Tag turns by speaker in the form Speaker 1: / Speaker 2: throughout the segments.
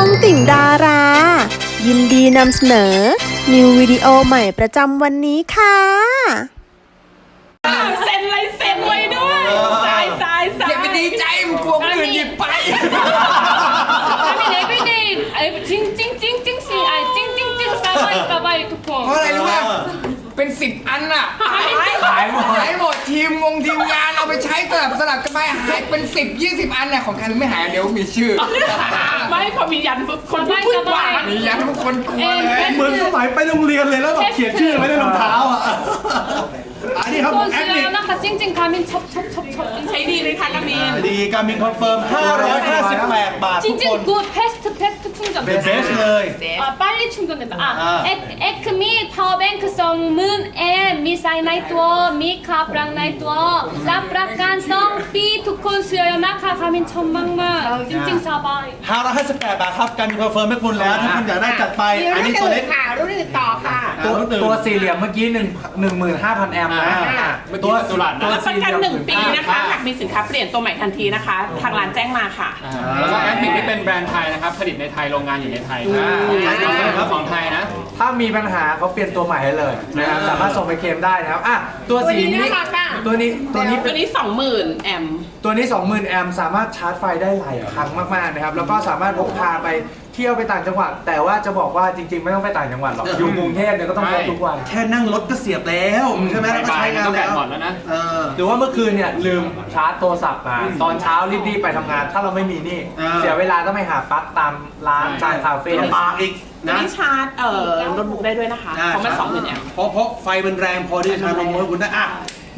Speaker 1: องติ่งดารา ยินดีนำเสนอ นิววิดีโอใหม่ประจำวันนี้ค่ะ
Speaker 2: เซ็นลายเซ็นไว้ด้วยสาย
Speaker 3: อย่าไปดีใจมันกลัวคนอื่นหยิบไป
Speaker 4: I mean every day 찡찡찡찡찡 사바이ทุกคน
Speaker 3: เพราะอะไรรู้ป่ะเป็น10 อันน่ะหายหมดทีมงานเอาไปใช้สลับกันไปหายเป็น10-20 อันน่ะของใครไม่หายเดี๋ยวมีชื่อ
Speaker 2: ไม่พอมียันคนพูดว่า
Speaker 3: มียันทุกคนกลัวเลย
Speaker 5: เหมือนสมัยไปโรงเรียนเลยแล้วแบบเขียนชื่อไว้ในรองเท้าอ่ะอันนี้ครับ
Speaker 4: ทุกคน
Speaker 5: แอ
Speaker 4: ซื้
Speaker 5: ด
Speaker 4: อ
Speaker 5: มิ
Speaker 4: แล้วนะคะ찡찡 가민 첩
Speaker 2: ใช้ดีเลยค่ะกามิน
Speaker 5: ดีการมินคอนเฟิร์ม558 บาททุกคน
Speaker 4: 찡찡 굿 패스트 충전
Speaker 5: เป็นเบสเลย
Speaker 4: 아 빨리 충전된다 에크미 파워뱅크 성문 에 미사이 나이트워 미카브랑 나이트워 랍라간 성비 두콘 수여요 나카 가민 천막만 찡찡 사바이
Speaker 5: 558 บาทครับการมินคอนเฟิร์มให้คุณแล้วถ้าคุณอยากได้จัดไปอันนี้ตัวเล็ก
Speaker 2: ค่ะรุ่นอื่นต่อค่ะ
Speaker 6: ตัวสี่เหลี่ยมเมื่อกี้15,000 แอมป์นะตัวสี่
Speaker 2: รับประ
Speaker 6: เห
Speaker 2: กัน
Speaker 6: ลี่ยม
Speaker 2: 1 ปีนะคะหากมีสินค้าเปลี่ยนตัวใหม่ทันทีนะคะ ทางร้านแจ้งมาค่ะ
Speaker 7: แล้วก็แอดมิกนี่เป็นแบรนด์ไทยนะครับผลิตในไทยโรงงานอยู่ในไทยครับของไทยนะ
Speaker 6: ถ้ามีปัญหาเขาเปลี่ยนตัวใหม่ให้เลยนะครับสามารถส่งไปเคลมได้นะครับอ่ะตัวสีนี้
Speaker 2: ตัวนี้น่ารักอ่ะ
Speaker 6: ตัวนี้
Speaker 2: ตัวนี้ 20,000 แอมป์
Speaker 6: ตัวนี้ 20,000 แอมป์สามารถชาร์จไฟได้หลายครั้งมากๆนะครับแล้วก็สามารถพกพาไปเที่ยวไปต่างจังหวัดแต่ว่าจะบอกว่าจริงๆไม่ต้องไปต่างจังหวัดหรอกอยู่กรุงเทพเนี่ยก็ต้องพกทุกวัน
Speaker 5: แค่นั่งรถก็เสียบแล้วใช่ไหมแล้วก็ใช้งาน
Speaker 7: ก็แบ
Speaker 5: แล้
Speaker 7: ต
Speaker 5: ว
Speaker 7: หมดแล้วนะ
Speaker 6: หรือว่าเมื่อคืนเนี่ยลืมชาร์จโทรศัพท์มาตอนเช้ารีบๆไปทำงาน ถ้าเราไม่มีนี่เสียเวลาต้องไปหาปลั๊กตามร้านตามคาเฟ่
Speaker 5: ลำบากอีก
Speaker 2: ตัว
Speaker 5: นะ
Speaker 2: นี้ชาร์จโน้ตบุ๊กได้ด้วยนะคะเพราะมัน20,000 แอมป์
Speaker 5: เพราะไฟมันแรงพอที่จะชาร์จลงมือคุณได้อ่ะ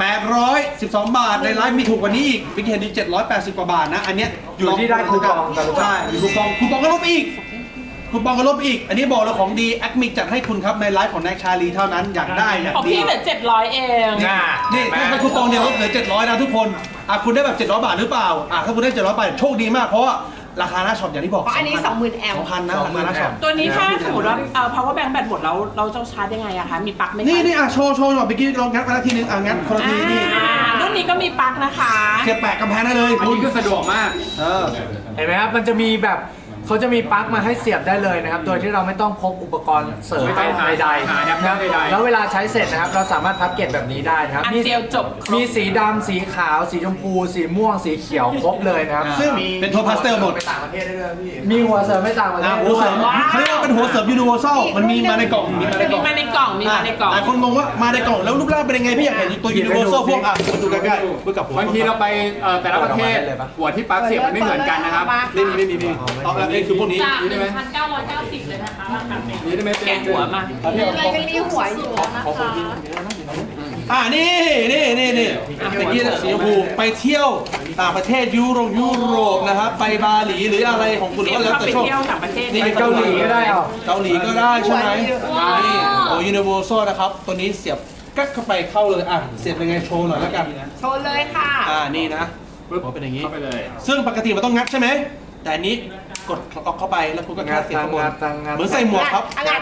Speaker 5: 812 บาทในไลฟ์มีถูกกว่านี้อีกบิ๊กเห็นดี780 กว่าบาทนะอันเนี้ย
Speaker 6: อยู่ที่ได้คูปองกันหรือเปล่า
Speaker 5: ใช่มีคูปองก็ลบอีกคูปองก็ลบอีกอันนี้บอกแล้วของดีแอดมิกจัดให้คุณครับในไลฟ์ของแน็กชาลีเท่านั้นอยากได้อยาก
Speaker 2: ของ
Speaker 5: ดี
Speaker 2: พี่เหลือ700 เอง
Speaker 5: นี่ถ้าเป็นคูปองเดียวลดเหลือ700นะทุกคนอ่ะคุณได้แบบ700 บาทหรือเปล่าอ่ะถ้าคุณได้700 บาทโชคดีมากเพราะว่าราคาหน้าช็อปอย่างที่บอก
Speaker 2: อันนี้ 20,000 แอมป์
Speaker 5: 2,000นะราคาหน้าช็อป
Speaker 2: ตัวนี้ถ้าสมมติว่าpower bank แบตหมดแล้วเราจะชาร์จยังไงอะคะมีปลั๊กไหมคะ
Speaker 5: นี่อ่ะโชว์หน่อยเมื่อกี้ลองงัดมาแล้วทีนึงอ่ะงัดคนละทีนี่
Speaker 2: รุ่นนี้ก็มีปลั๊กนะคะ
Speaker 5: เสียบแปะกำแพงได้เลย
Speaker 7: อัน
Speaker 5: คุณ
Speaker 7: นี้ก็สะดวกมาก
Speaker 6: เห็นไหมครับ มันจะมีแบบเขาจะมีปลั๊กมาให้เสียบได้เลยนะครับ โดยที่เราไม่ต้องพกอุปกรณ์เสริม
Speaker 7: ไม่ต้องหา
Speaker 6: ใด
Speaker 7: หาแอป
Speaker 6: ๆนะครับ
Speaker 7: ใดๆ
Speaker 6: แล้วเวลาใช้เสร็จนะครับ เราสามารถพับเก็บแบบนี้ได้นะครับ
Speaker 2: อันเดียวจบ
Speaker 6: มีสีดำสีขาว สีชมพู สีม่วง สีเขียวครบเลยนะครับ
Speaker 5: ซึ่งเป็นโทนพาสเทลหมด
Speaker 6: ไปต่างประเทศได้ด้วยพี่ มีหัวเสริมไม่ต่างประเทศ
Speaker 5: หัวเสริม
Speaker 6: ด้วย
Speaker 5: เขาเรียกว่าเป็นหัวเสริมยูนิเวอร์แซลมันมีมาในกล่องมีมาในกล่อง
Speaker 2: มีมาในกล่อง
Speaker 5: หลายคนงงว่ามาในกล่องแล้วรูปร่างเป็นยังไงพี่อยากเห็นตัวยูนิเวอร์แซลพวกอ่ะมาดูใกล้ๆเพื่อกับผม
Speaker 7: บางทีเราไปแต่ละประเทศหัวที่ปลั๊กเสียบมันไม่เหมือนกันนะครับ
Speaker 5: ไม่มีเอาแล้วนี่คือพวกนี้
Speaker 4: จาก1,990เลยนะคะราคาเป็น
Speaker 7: นี่ได้ไหมเป็น
Speaker 2: แกะหัวมา
Speaker 4: อะไรก็มีหัวอยู่นะคะ
Speaker 5: นี่ตะกี้สีชมพูไปเที่ยวต่างประเทศยุโรปนะครับไปบาหลีหรืออะไรของคุณ
Speaker 2: เตรีย
Speaker 5: ก็
Speaker 2: ม
Speaker 5: แล้ว
Speaker 2: เข้า
Speaker 5: แต่
Speaker 2: ไป
Speaker 5: ชอบ
Speaker 2: เที่ยวต่างประเทศ
Speaker 5: นี่
Speaker 6: ไปเกาหลีก็ได้เอา
Speaker 5: เกาหลีก็ได้ใช่ไหมนี่โอ้ยูนิเวอร์แซลนะครับตัวนี้เสียบกั๊กเข้าไปเข้าเลยอ่ะเสียบยังไงโชว์หน่อยแล้วกัน
Speaker 2: โชว์เลยค่ะ
Speaker 5: นี่นะปึ๊บเป็นอย่างนี้
Speaker 7: เข้าไปเลย
Speaker 5: ซึ่งปกติมันต้องงัดใช่ไหมแต่อันนี้กดล็อกเข้าไปแล้วคุณก็แค่เสียบข้างบนเหมือนใส่หมวกครับ
Speaker 2: งัด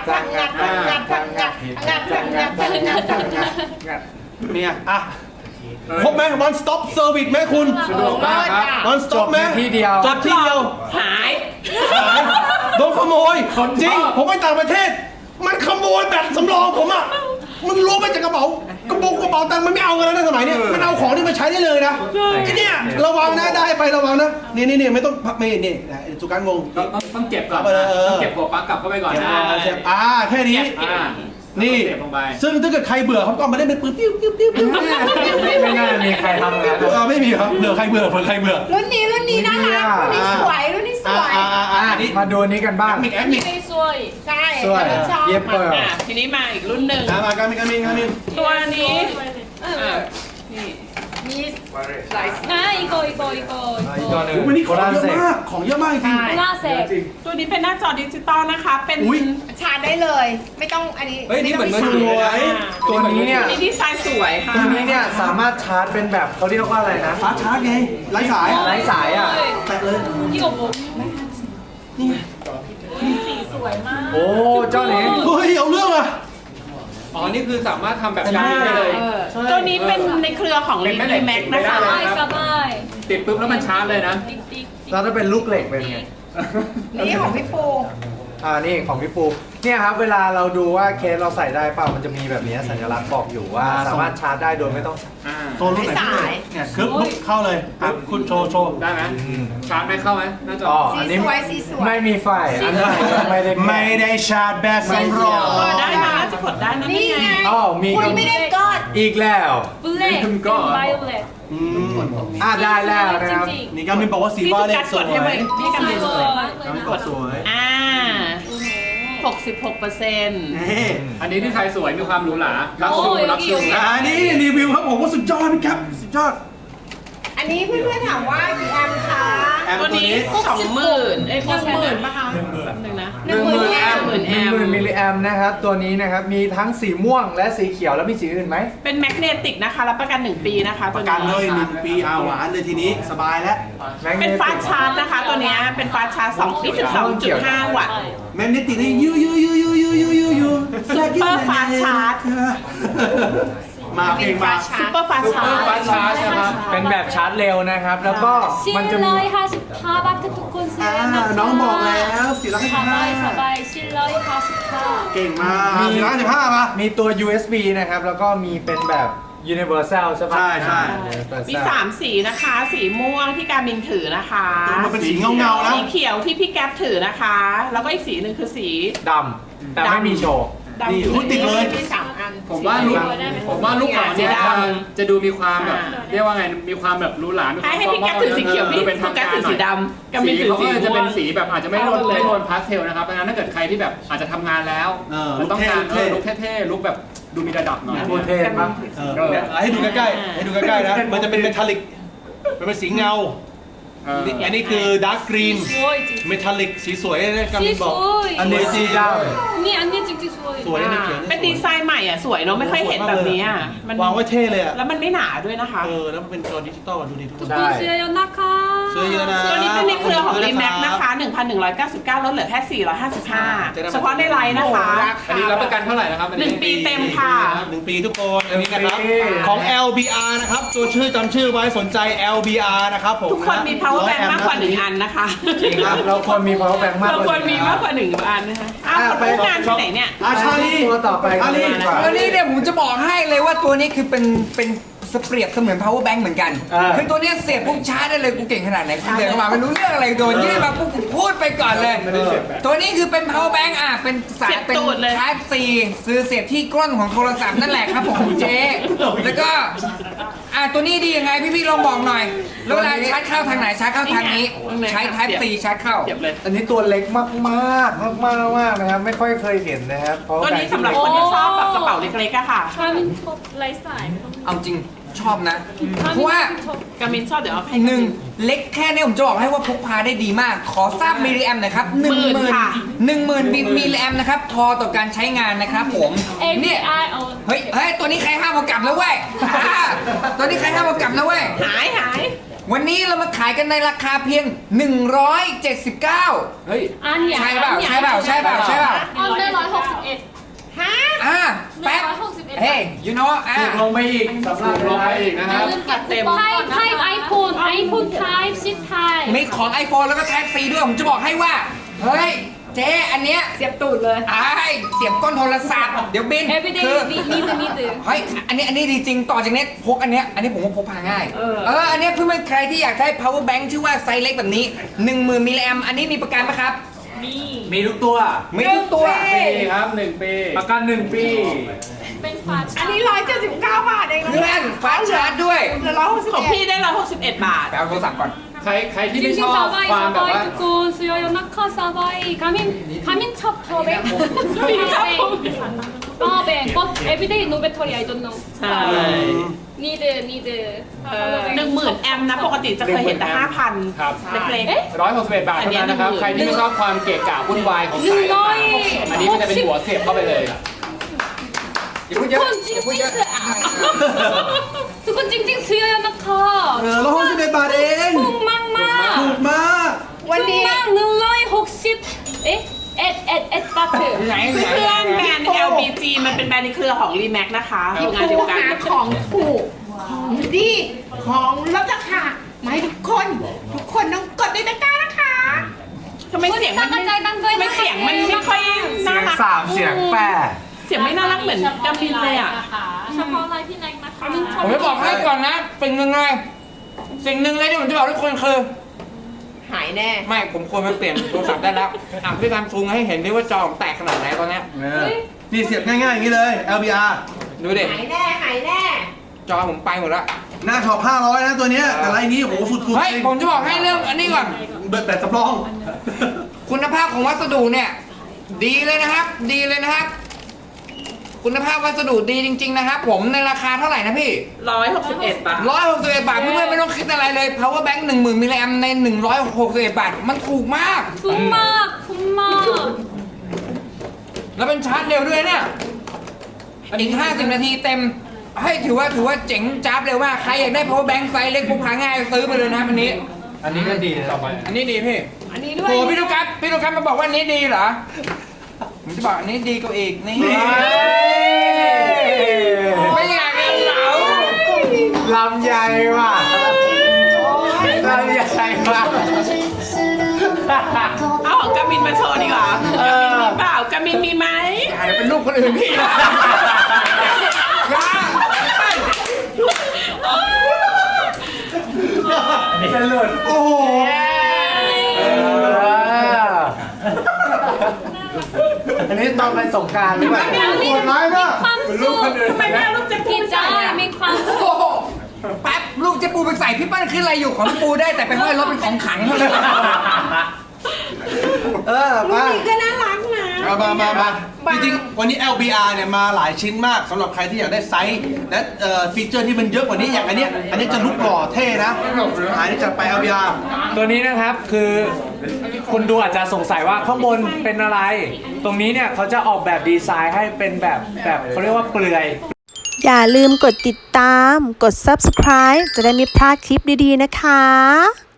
Speaker 5: เนี่ยอ่ะครบไหม one stop service ไหมคุณ
Speaker 7: สะดวกมากครับ
Speaker 5: one stop ไหม
Speaker 6: ที่เดียว
Speaker 5: จบที่เดียว
Speaker 2: หาย
Speaker 5: โดนขโมยจริงผมไปต่างประเทศ มันขโมยแบบสำรองผมอ่ะมันล้วงไปจากกระเป๋ากระเป๋าตังค์มันไม่เอากันแล้วนะสมัยเนี้ยมันเอาของที่มันใช้ได้เลยนะไอ้เนี่ยระวังนะได้ไประวังนะนี่ไม่ต้องไม่นี่สุการงง
Speaker 7: ต้องเก็บก่อน ต้องเก็บหัวปลั๊กกลับเข้าไปก่อนนะ
Speaker 5: แค่นี้ นี่
Speaker 7: เสียบลงไป
Speaker 5: ซึ่งถ้าเกิดใครเบื่อเขาก็มาเล่นเป็นปืนปิ้ว
Speaker 6: ไม่น่ามีใครทำงาน
Speaker 5: ไม่มีครับเบื่อใครเบื่อใครเบื่อ
Speaker 4: รุ่นนี้น่ารักรุ่นนี้สวย
Speaker 5: นี่
Speaker 6: มาดูนี้กันบ้าง
Speaker 5: มิกแอดมิก
Speaker 4: ไม่สวยใช่
Speaker 6: สวย
Speaker 4: ชอบ
Speaker 6: เย็บเปิด
Speaker 2: ทีนี้มาอีกรุ่นหนึ่ง
Speaker 5: มาการมิก
Speaker 2: ตัวนี้
Speaker 4: มีหลายอีโก
Speaker 6: อีกตัวหนึ่ง
Speaker 5: วันนี้ของเยอะมากของเยอะมากจริง
Speaker 4: หน้าเสก
Speaker 2: ตัวนี้เป็นหน้าจอดิจิตอลนะคะ เป็น
Speaker 5: อุ๊ย
Speaker 4: ชาร์จได้เลย ไม่ต้องอันนี้
Speaker 7: เฮ้ยนี่เหมือนมือถือ
Speaker 6: ตัวนี้เนี่ย
Speaker 2: นี่ดีไซน์สวยค่ะ
Speaker 6: ตัวนี้เนี่ยสามารถชาร์จเป็นแบบเขาเรียกว่าอะไรนะ
Speaker 5: ชาร์จไงไร้สาย
Speaker 6: ไร้สายอ่ะ
Speaker 5: แตะเลย
Speaker 4: อีโกบุ๊
Speaker 6: โอ้เจ้าหนิง
Speaker 5: เฮ้ยเอาเรื่องอ่ะ
Speaker 7: อ๋อ นี่คือสามารถทำแบบการได้เลย
Speaker 2: ตัวนี้เป็นในเครือของ
Speaker 7: เป็นแม่เหล็ก
Speaker 2: รีแม็กนะคะ
Speaker 7: ไม่ได้เลย
Speaker 4: สบาย
Speaker 7: ติดปุ๊บแล้วมันชาร์จเลยนะ
Speaker 6: แล้วถ้าเป็นลูกเหล็กเป็นไง
Speaker 8: นี่ของพี่ปู
Speaker 6: นี่ของพี่ปูเนี่ยครับเวลาเราดูว่าเคสเราใส่ได้เปล่ามันจะมีแบบนี้สัญลักษณ์บอกอยู่ว่าสามารถชาร์จได้โดยไม่ต้อง
Speaker 5: โซนรุ่นไหนพี่เนี่ยคือปุ๊บเข้าเลยปุ๊บคุณโชว์
Speaker 7: ได้ไหมชาร์จไม่เข้าไหมน่าจะ
Speaker 6: อันนี้
Speaker 8: สีสวย
Speaker 6: ไม่มีไฟอันนี้ไม่ได้
Speaker 5: ชาร์จแบตสำรอง
Speaker 2: ได้นะจะกดได้นะ
Speaker 8: นี่ไง
Speaker 6: มี
Speaker 8: คุณไม่ได้กด
Speaker 6: อีกแล้ว
Speaker 4: black and violet
Speaker 6: ได้แล้วนะครับ
Speaker 4: จริง
Speaker 5: นี่ก็มีบอกว่าสี
Speaker 2: พี่
Speaker 5: ว่า
Speaker 2: สุ
Speaker 5: เล
Speaker 2: กั
Speaker 5: ข
Speaker 2: ด
Speaker 5: ส
Speaker 2: ก
Speaker 5: ว
Speaker 2: ด
Speaker 5: ย
Speaker 2: ให้เลยพี่กัน
Speaker 4: ๆ
Speaker 2: เลย
Speaker 4: สวยมากเลย
Speaker 5: ก
Speaker 4: นะ
Speaker 5: ดสวย
Speaker 2: 66%
Speaker 7: อันนี้ที่ไทยสวยมีความหรูหรารักชูรักชู
Speaker 5: นี่รีวิวครับผมว่าสุดยอดพี่ครับสุดยอด
Speaker 8: อันนี้เพื่อนๆถามว่ากี่แอมป์คะ
Speaker 5: แอม
Speaker 2: ตัว
Speaker 5: ตัว
Speaker 2: นี้
Speaker 5: นี้
Speaker 2: 20,000เอ้ย10,000ป่ะคะแป๊บนึงนะ
Speaker 8: 10,000
Speaker 2: แอมป์
Speaker 6: 10,000 มิลลิแอมป์นะครับตัวนี้นะครับมีทั้งสีม่วงและสีเขียวแล้วมีสีอื่นไหม
Speaker 2: เป็นแมกเนติกนะคะรับประกัน 1 ปีนะคะ
Speaker 5: ประกันเลย1 ปีหวานเลยทีนี้สบายแล้ว
Speaker 2: เป็นฟาสต์ชาร์จนะคะ ตัวเนี้ยเป็นฟาสต์ชาร์จ22.5 วัตต์
Speaker 5: แมนนิตินี่ยูซุปเปอร์
Speaker 2: ฟาสต์ชาร์จ
Speaker 5: มาเพลงมา
Speaker 2: ซุปเปอร์ฟาสต์ชาร์จ
Speaker 7: ฟาสต์ชาร์จใช่ไหมครับ
Speaker 6: เป็นแบบชาร์จเร็วนะครับแล้วก็มันจะมี
Speaker 4: 755 บาททุกคนซื้อนะคะ
Speaker 5: น้องบอกแล้ว455
Speaker 4: สบาย755
Speaker 5: เก่งมาก455มา
Speaker 6: มีตัว USB นะครับแล้วก็มีเป็นแบบ Universal ใช่ปะ
Speaker 5: ใช่
Speaker 2: มี 3 สีนะคะ สีม่วงที่การมินถือนะคะ
Speaker 5: มันเป็นสีเงาๆนะ
Speaker 2: สีเขียวที่พี่แก๊ปถือนะคะ แล้วก็อีกสีหนึ่งคือสี
Speaker 6: ดำแต่ไม่มีโชว์
Speaker 2: ดำ
Speaker 5: นี่อุ๊ยติดเลย
Speaker 2: มี3 อัน
Speaker 7: ผมว่าลูกหล่อเนี่ยจะดูมีความแบบเรียกว่าไงมีความแบบหรูหรามีความ
Speaker 2: ให้พี่แก๊ปถือสีเขียวพี่
Speaker 7: ดูเป็น
Speaker 2: สุ
Speaker 7: ทาง
Speaker 2: กัส
Speaker 7: การ
Speaker 2: ถือ
Speaker 7: หน่
Speaker 2: สี
Speaker 7: อย
Speaker 2: ดำกับมิ
Speaker 7: สี
Speaker 2: นถือ
Speaker 7: เขา
Speaker 2: สี
Speaker 7: ก็จะเป็น
Speaker 2: ม่วง
Speaker 7: สีแบบอาจจะไม่โทนพาสเทลนะครับเพราะฉะนั้นถ้าเกิดใครที่แบบอาจจะทำงานแล้วต้องการลุคเท่ๆลุคแบบดูมีระดับหน่อย
Speaker 6: โคตรเท่มาก
Speaker 5: ให้ดูใกล้ๆให้ดูใกล้ๆนะมันจะเป็นเมทัลลิกมันเป็นสีเงาอันนี้คือดาร์กกรีน
Speaker 4: สวยจริง
Speaker 5: เมทัลลิกสีสวยนะกำลังบอก
Speaker 6: อันนี้สีด
Speaker 4: นี่อันนี้จริงๆสวย
Speaker 5: สวยนะเขียว
Speaker 2: เป็นดีไซน์ใหม่อ่ะสวยเนาะไม่ค่อยเห็นแบบนี้อ่ะมัน
Speaker 5: วางไว้เท่เลยอ่ะ
Speaker 2: แล้วมันไม่หนาด้วยนะคะ
Speaker 5: แล้วมันเป็นจอดิจิตอลดูดิทุกคน
Speaker 4: คุณซื้อเยอะนะคะ
Speaker 5: ซื้อเยอะนะ
Speaker 2: ตัวนี้เป็นในเครือของ Remax นะคะ 1,199 ลดเหลือแค่ 455 เฉพาะในไลน์นะคะ
Speaker 7: อันนี้รับประกันเท่าไหร่นะครับ
Speaker 2: 1 ปีเต็มค่ะ
Speaker 5: 1 ปีทุกคนอันนี้นะครับของ LBR นะครับตัวชื่อจำชื่อไว้สนใจ LBR นะครับผม
Speaker 2: ทุกคนมี power bank มากกว่า 1 อันนะคะ
Speaker 6: ำจริงครับเราควรมี power bank มาก
Speaker 2: เรา
Speaker 6: กว่า
Speaker 2: ควรมีมากกว่า 1 อันนะคะอ้าวคนรู้งานที่ไหนเนี่ย
Speaker 5: ชาลี
Speaker 6: ตัวต่อไปกันเลยดีกว่า
Speaker 3: ตัวนี้เนี่ยผมจะบอกให้เลยว่าตัวนี้คือเป็นเปรียบเสมือน power bank เหมือนกัน คือตัวเนี้ยเสียบปุ๊บชาร์จได้เลยกูเก่งขนาดไหนกูเดินเข้ามาไม่รู้เรื่องอะไรโดนยื่นมาปุ๊บกูพูดไปก่อนเลย ตัวนี้คือเป็น power bank เป็นสาย
Speaker 2: เสียบ
Speaker 3: เป็น
Speaker 2: ตูดเลย
Speaker 3: Type C ซื้อเสียบที่ก้นของโทรศัพท์นั่นแหละครับผมเจ๊แล้วก็ตัวนี้ดียังไงพี่ๆลองบอกหน่อยแล้วเวลาชาร์จเข้าทางไหนชาร์จเข้าทางนี้ใช้ Type C ชาร์จเข้า
Speaker 2: เก็บเลย
Speaker 6: อันนี้ตัวเล็กมากมากมากมากมากนะครับไม่ค่อยเคยเห็นนะครับเพราะ
Speaker 2: ตัวนี้สำหรับคนที่ชอบแบบกระเป๋าเล็กๆอะค่ะ
Speaker 4: คามินชอบไลฟ์สไตล์
Speaker 3: เอาจริงชอบนะ
Speaker 4: คา
Speaker 3: เพ
Speaker 4: มิ
Speaker 3: ราะว่า
Speaker 4: นชอบ
Speaker 2: กามินชอบเดี๋ยวเอาให้
Speaker 3: หนึ่งเล็กแค่นี้ผมจะบอกให้ว่าพกพาได้ดีมาก ขอทราบมิลลิแอมหน่อยครับ
Speaker 2: 10,000 ค่ะ
Speaker 3: 10,000มิลลิแอมนะครับพอต่อการใช้งานนะครับผม เนี่ย
Speaker 4: API เอา
Speaker 3: เฮ้ยตัวนี้ใครห้ามเอากลับแล้วเว้ยตัวนี้ใครห้ามเอากลับแล้วเว้ย
Speaker 2: หาย
Speaker 3: วันนี้เรามาขายกันในราคาเพียง 179
Speaker 7: เฮ้ย
Speaker 4: อันใหญ่
Speaker 3: ใช่เปล่า
Speaker 4: อันได้161
Speaker 2: ฮะ
Speaker 3: แป๊บ
Speaker 4: 161
Speaker 3: เฮ้ย you know
Speaker 6: ถูกลงไปอีกสำหรับ
Speaker 7: ลงไปอีกนะครับ
Speaker 4: ลืมเก็บคูปองไทป์ไอโฟนไทป์10ไทป์
Speaker 3: มีของ iPhone แล้วก็ Type C ด้วยผมจะบอกให้ว่า เฮ้ย เจ๊อันเนี้ย
Speaker 8: เสียบตูดเลย
Speaker 3: เสียบก้นโทรศัพท์เดี๋ยวบิน
Speaker 4: everyday
Speaker 3: คือ
Speaker 4: need
Speaker 3: เฮ้ยอันนี้ดีจริงต่อจากนี้พกอันเนี้ยผมว่าพกพาง่ายอันเนี้ยเพื่อนๆใครที่อยากได้ power bank ชื่อว่าไซส์เล็กแบบนี้ 10,000 มิลลิแอมอันนี้มีประกันไหมครับ
Speaker 6: มีทุกตัว
Speaker 3: มีทุกตัว
Speaker 7: ปีครับ1 ปี
Speaker 6: ประกัน1 ปี
Speaker 4: เป็นฝา
Speaker 8: อันนี้179 บาทเองนะ
Speaker 3: เพื่อนฟาสต์ชาร์จด้วย
Speaker 8: เหลือ
Speaker 2: ของพี่ได้161 บาท
Speaker 3: ไปเอาโทรศัพท์ก่อน
Speaker 7: ใครที่
Speaker 4: จ
Speaker 7: ไม่
Speaker 4: ริ
Speaker 7: ช
Speaker 4: ง
Speaker 7: อ
Speaker 4: ๆ
Speaker 7: บ
Speaker 4: สบาย
Speaker 7: ความแบบว่า
Speaker 4: ทุกคนซื้อเยอะนะคะสบายคามินชอบพอเบงพอเบง but everyday no battery I don't know
Speaker 2: ใช่
Speaker 4: need
Speaker 2: 10,000 แอมป์นะ ปกติจะเคยเห็นแต่ 5,000
Speaker 7: ครับ
Speaker 2: เล็ก
Speaker 7: 161 บาทเท่านั้นนะครับ ใครที่ไม่ชอบความเกะกะวุ่นวายของสายต่างๆอันนี้มันจะเป็นหัวเสียบเข้าไปเลย
Speaker 3: อย่าพูดเยอะ
Speaker 4: ทุกคนจริง
Speaker 3: อย่าพูดเยอะ
Speaker 4: ทุกคนจริงๆซื้อเยอะนะคะ
Speaker 5: 161 บาทเอง
Speaker 4: ถูกมากมาก
Speaker 5: ถูกมาก
Speaker 8: วันนี้
Speaker 4: 160เอ็ดบาท
Speaker 3: ไหน
Speaker 2: ๆ เพื่อนแบรนด์ LBG มันเป็นแบรนด์ในเครือของ Remax นะคะทำงานเดียวกัน
Speaker 8: หาของถูก ของดี ของลดราคามาให้ทุกคนต้องกดในตะกร้านะคะ
Speaker 2: ทำไมเสียงมันไม่เสียงมันไม่ค่อย
Speaker 6: เสี
Speaker 2: น่าย
Speaker 6: ง
Speaker 2: รัก
Speaker 6: 3 เสียง 8
Speaker 2: เสียงไม่น่ารักเหมือนกามินเลยอ่ะ
Speaker 4: เฉพาะไลฟ์พี่แน็กนะคะ
Speaker 3: ผมจะบอกให้ก่อนนะสิ่งหนึ่งเลยที่ผมจะบอกทุกคนคือ
Speaker 8: หายแน่
Speaker 3: ไม่ผมควรไปเปลี่ยนโทรศัพท์ได้แล้วพี่ทำซูมให้เห็นด้วยว่าจอผมแตกขนาดไหนตอนเนี้ย
Speaker 5: นี่เสียบง่ายๆอย่างนี้เลย LBR
Speaker 3: ดูดิ
Speaker 8: หายแน่ หายแน่
Speaker 3: จอผมไปหมดแล้ว
Speaker 5: หน้าช็อป500นะตัวเนี้ยแต่ไรนี้โหสุดๆ
Speaker 3: เฮ้ยผมจะบอกให้เรื่องอันนี้ก่อน
Speaker 5: แบบสำรอง
Speaker 3: คุณภาพของวัสดุเนี่ย ดีเลยนะครับ คุณภาพวัสดุดีจริง ๆ นะครับ ผมในราคาเท่าไหร่นะพี่
Speaker 2: 161 บาท
Speaker 3: 161 บาทเพื่อนๆไม่ต้องคิดอะไรเลย power bank 10,000 มิลลิแอมใน161 บาท มันถูกมาก
Speaker 4: คุ้มมากคุ้มมาก
Speaker 3: แล้วเป็นชาร์จเร็วด้วยเนี่ยอีก50 นาทีเต็มให้ถือว่าเจ๋งจ้าบเร็วมากใครอยากได้ power bank ไซส์เล็กพกพาง่ายซื้อไปเลยนะครับอันนี้
Speaker 6: อันนี้ก็ดีต่อไป
Speaker 3: อันนี้ดีพี่
Speaker 8: อันนี้ด้วย
Speaker 3: โหพี่ลูกครับมาบอกว่าอันนี้ดีเหรอผมจะบอกอันนี้ดีกว่าอีกนี่ไม่อยากเอาเหลา
Speaker 6: ลำใหญ่ว่ะลำใหญ่ว่ะ
Speaker 2: เอาของกามินมาโชว์ดีกว่ากามินมีเปล่ากามินมีไหม
Speaker 3: อย่าเป็นลูกคนอื่นพี่นะอย่า
Speaker 6: จะหลุด
Speaker 5: โอ้โห
Speaker 6: อันนี้ตอนไปสงกรารหรือเปล่า
Speaker 5: โหดร้ายมาก
Speaker 4: ความสุข
Speaker 2: ทำไมไม่เอาลูกเจ๊ปู
Speaker 4: กิน
Speaker 2: ไป
Speaker 4: จ้า
Speaker 2: ใส่อะ
Speaker 4: มีความสุข
Speaker 3: โอ้โหแป๊บลูกเจ๊ปูไปใส่พี่ปั้นขึ้นอะไรอยู่ของพี่ปูได้แต่ไปห้อยรถเป็นของขังเท่านั้น
Speaker 8: ลูกนี้ก็น่ารักนะ
Speaker 5: มาจริงๆวันนี้ LBR เนี่ยมาหลายชิ้นมากสำหรับใครที่อยากได้ไซส์และฟีเจอร์ที่มันเยอะกว่านี้อย่างอันเนี้ยจะลุกหล่อเท่นะหายนี่จะไป LBR
Speaker 6: ตัวนี้นะครับคือคุณดูอาจจะสงสัยว่าข้างบนเป็นอะไร ตรงนี้เนี่ยเขาจะออกแบบดีไซน์ให้เป็นแบบเขาเรียกว่าเปลือย
Speaker 1: อย่าลืมกดติดตาม กด subscribe จะได้ไม่พลาดคลิปดีๆนะคะ